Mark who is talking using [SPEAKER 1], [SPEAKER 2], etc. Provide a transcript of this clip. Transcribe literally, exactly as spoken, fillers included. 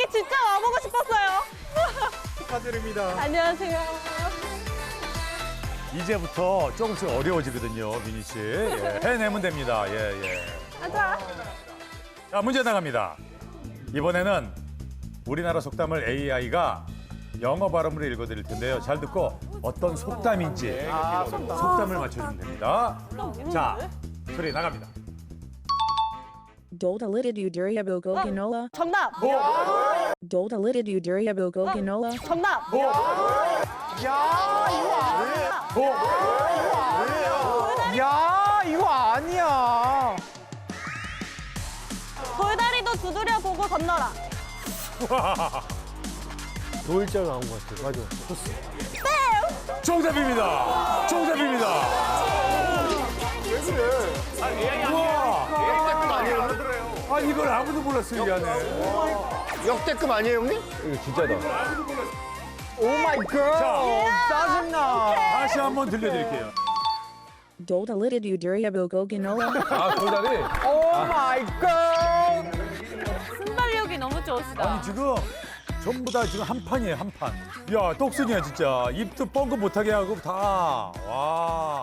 [SPEAKER 1] 여기 진짜 와보고 싶었어요.
[SPEAKER 2] 축하드립니다.
[SPEAKER 1] 안녕하세요.
[SPEAKER 3] 이제부터 조금씩 어려워지거든요, 미니 씨. 예, 해내면 됩니다. 예, 예.
[SPEAKER 1] 가자.
[SPEAKER 3] 자, 문제 나갑니다. 이번에는 우리나라 속담을 에이아이가 영어 발음으로 읽어드릴 텐데요. 잘 듣고 어떤 속담인지 속담을 맞춰주면 됩니다. 자, 소리 나갑니다.
[SPEAKER 4] Dolittle durable ginola.
[SPEAKER 1] 정답.
[SPEAKER 4] Dolittle durable ginola.
[SPEAKER 1] 정답.
[SPEAKER 2] 야, 이거 아니야. 야, 이거 아니야.
[SPEAKER 1] 돌다리도 두드려 보고 건너라.
[SPEAKER 5] 노일자 나온 것 같아. 맞아.
[SPEAKER 3] 정답입니다. 정답입니다.
[SPEAKER 5] 역대급 아니에요, 형님?
[SPEAKER 3] 아, 이걸 아무도 몰랐어요, 이 안에.
[SPEAKER 5] 역대급 아니에요, 형님? 이거 진짜다.
[SPEAKER 2] 오 마이 갓.
[SPEAKER 3] 자,
[SPEAKER 2] 짜증나.
[SPEAKER 3] 다시 한번 들려드릴게요.
[SPEAKER 4] Dolittle durable ginola.
[SPEAKER 5] 아, 돌다리?
[SPEAKER 2] 오 마이 갓.
[SPEAKER 1] 순발력이 너무 좋으시다.
[SPEAKER 3] 아니, 지금 전부 다 지금 한 판이에요, 한 판. 야, 똑순이야, 진짜. 입도 뻥긋 못하게 하고 다. 와.